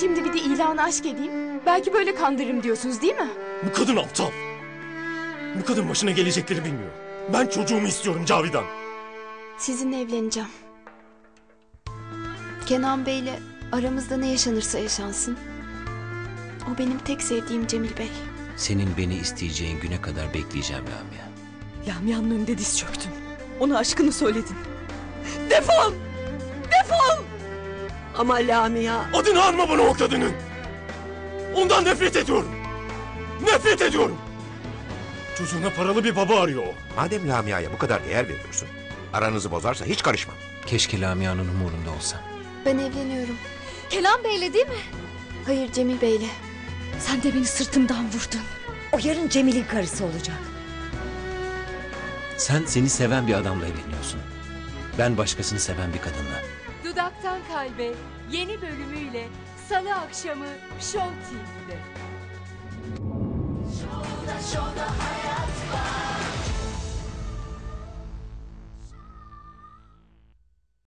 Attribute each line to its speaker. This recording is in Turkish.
Speaker 1: Şimdi bir de ilanı aşk edeyim. Belki böyle kandırırım diyorsunuz değil mi?
Speaker 2: Bu kadın aptal. Bu kadın başına gelecekleri bilmiyor. Ben çocuğumu istiyorum Cavidan.
Speaker 1: Sizinle evleneceğim. Kenan Bey'le aramızda ne yaşanırsa yaşansın. O benim tek sevdiğim Cemil Bey.
Speaker 3: Senin beni isteyeceğin güne kadar bekleyeceğim Lamia.
Speaker 4: Lamia'nın önünde diz çöktün. Ona aşkını söyledin. Defol! Defol! Ama Lamia...
Speaker 2: Adını anma bana o kadının. Ondan nefret ediyorum. Nefret ediyorum. Çocuğuna paralı bir baba arıyor o.
Speaker 5: Madem Lamia'ya bu kadar değer veriyorsun, aranızı bozarsa hiç karışmam.
Speaker 3: Keşke Lamia'nın umurunda olsam.
Speaker 1: Ben evleniyorum.
Speaker 6: Kenan Bey'le değil mi?
Speaker 1: Hayır, Cemil Bey'le.
Speaker 6: Sen de beni sırtımdan vurdun.
Speaker 4: O yarın Cemil'in karısı olacak.
Speaker 3: Sen seni seven bir adamla evleniyorsun. Ben başkasını seven bir kadınla.
Speaker 7: Dudaktan Kalbe yeni bölümüyle Salı akşamı Show TV'de.